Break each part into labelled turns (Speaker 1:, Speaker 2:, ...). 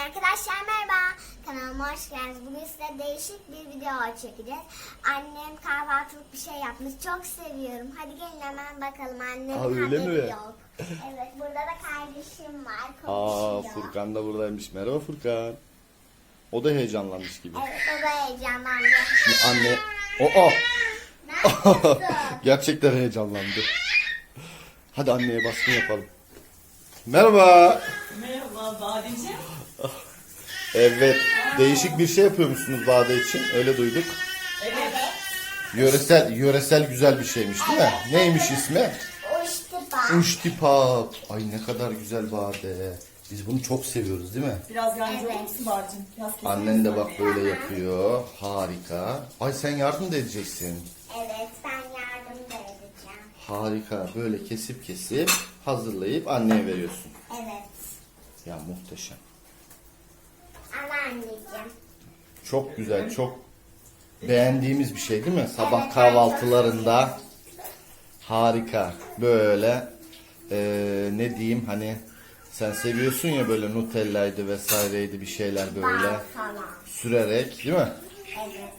Speaker 1: Arkadaşlar merhaba, kanalıma hoş geldiniz. Bugün size değişik bir video çekeceğiz. Annem kahvaltılık bir şey yapmış, çok seviyorum. Hadi gelin hemen bakalım, annemin
Speaker 2: öyle
Speaker 1: haberi
Speaker 2: mi?
Speaker 1: yok. Evet, burada da kardeşim var,
Speaker 2: Aa,
Speaker 1: konuşuyor.
Speaker 2: Furkan da buradaymış. Merhaba Furkan. O da heyecanlanmış gibi.
Speaker 1: Evet, o da heyecanlandı.
Speaker 2: Şimdi anne...
Speaker 1: Nasılsın?
Speaker 2: Gerçekten heyecanlandı. Hadi anneye baskın yapalım. Merhaba.
Speaker 3: Merhaba Badeciğim.
Speaker 2: Evet. Değişik bir şey yapıyormuşsunuz Bade için. Öyle duyduk.
Speaker 3: Evet.
Speaker 2: Yöresel güzel bir şeymiş değil mi? Neymiş ismi?
Speaker 1: Uçtipa.
Speaker 2: Uştipak. Ay ne kadar güzel Bade. Biz bunu çok seviyoruz değil mi?
Speaker 3: Biraz yardımcı olur
Speaker 1: Evet.
Speaker 3: musun Badeciğim? Biraz kesin.
Speaker 2: Annen de bak böyle yapıyor. Harika. Ay sen yardım da edeceksin.
Speaker 1: Evet, ben yardım da edeceğim.
Speaker 2: Harika. Böyle kesip hazırlayıp anneye veriyorsun.
Speaker 1: Evet,
Speaker 2: Ya muhteşem.
Speaker 1: ama anneciğim.
Speaker 2: Çok güzel, çok beğendiğimiz bir şey değil mi? Sabah
Speaker 1: Evet,
Speaker 2: kahvaltılarında harika. Böyle ne diyeyim hani sen seviyorsun ya böyle Nutella'ydı vesaireydi bir şeyler böyle
Speaker 1: Bal falan.
Speaker 2: sürerek değil mi?
Speaker 1: Evet.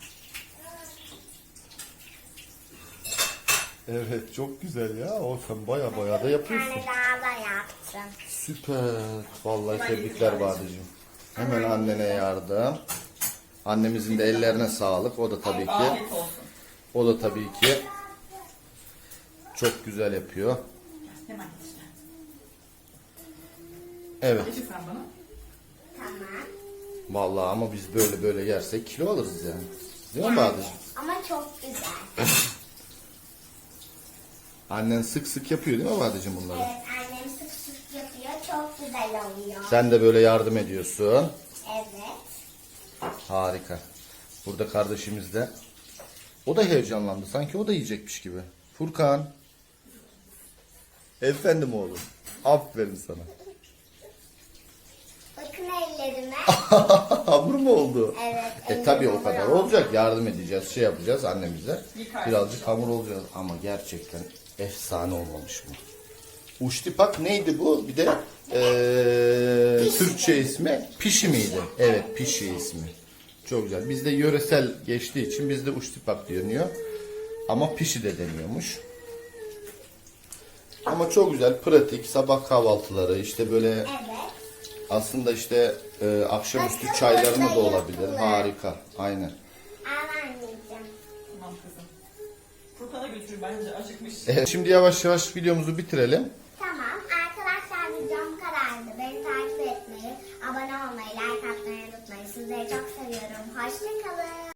Speaker 2: Evet çok güzel ya. O sen baya da
Speaker 1: Bir
Speaker 2: yapıyorsun.
Speaker 1: tane daha da yaptım.
Speaker 2: Süper. Vallahi tebrikler Badeciğim. Hemen annene yardım. Annemizin de ellerine sağlık. O da tabii ki.
Speaker 3: Afiyet olsun.
Speaker 2: O da tabii ki çok güzel yapıyor.
Speaker 3: Hemen işte.
Speaker 2: Evet.
Speaker 3: Geçin sen bana.
Speaker 1: Tamam.
Speaker 2: Vallahi ama biz böyle yersek kilo alırız yani. Değil mi Badeciğim?
Speaker 1: Ama çok güzel.
Speaker 2: Annen sık yapıyor değil mi Badeciğim bunları?
Speaker 1: Evet, annem sık sık yapıyor. Çok güzel oluyor.
Speaker 2: Sen de böyle yardım ediyorsun.
Speaker 1: Evet.
Speaker 2: Harika. Burada kardeşimiz de. O da heyecanlandı. Sanki o da yiyecekmiş gibi. Furkan. Efendim oğlum. Aferin sana.
Speaker 1: Bakın ellerime.
Speaker 2: Hamur mu oldu?
Speaker 1: Evet.
Speaker 2: Tabii o
Speaker 1: ellerim
Speaker 2: kadar
Speaker 1: hamur
Speaker 2: olacak. Yardım edeceğiz. Şey yapacağız annemize.
Speaker 3: Yıkarsın.
Speaker 2: Birazcık hamur olacağız. Ama gerçekten efsane olmamış mı? Uştipak neydi bu? Bir de Türkçe ismi pişi miydi? Evet pişi ismi. Çok güzel. Bizde yöresel geçtiği için bizde uştipak deniyor. Ama pişi de deniyormuş. Ama çok güzel, pratik sabah kahvaltıları işte böyle
Speaker 1: Evet.
Speaker 2: aslında işte akşamüstü çaylarına da olabilir. Harika. Aynen.
Speaker 1: Al anneciğim.
Speaker 3: Tamam kızım. Furkan'a götürün bence acıkmış.
Speaker 2: Evet, şimdi yavaş yavaş videomuzu bitirelim.
Speaker 1: Tamam. Arkadaşlar videom bu kadardı. Beni takip etmeyi, abone olmayı, like atmayı unutmayın. Sizleri çok seviyorum. Hoşçakalın.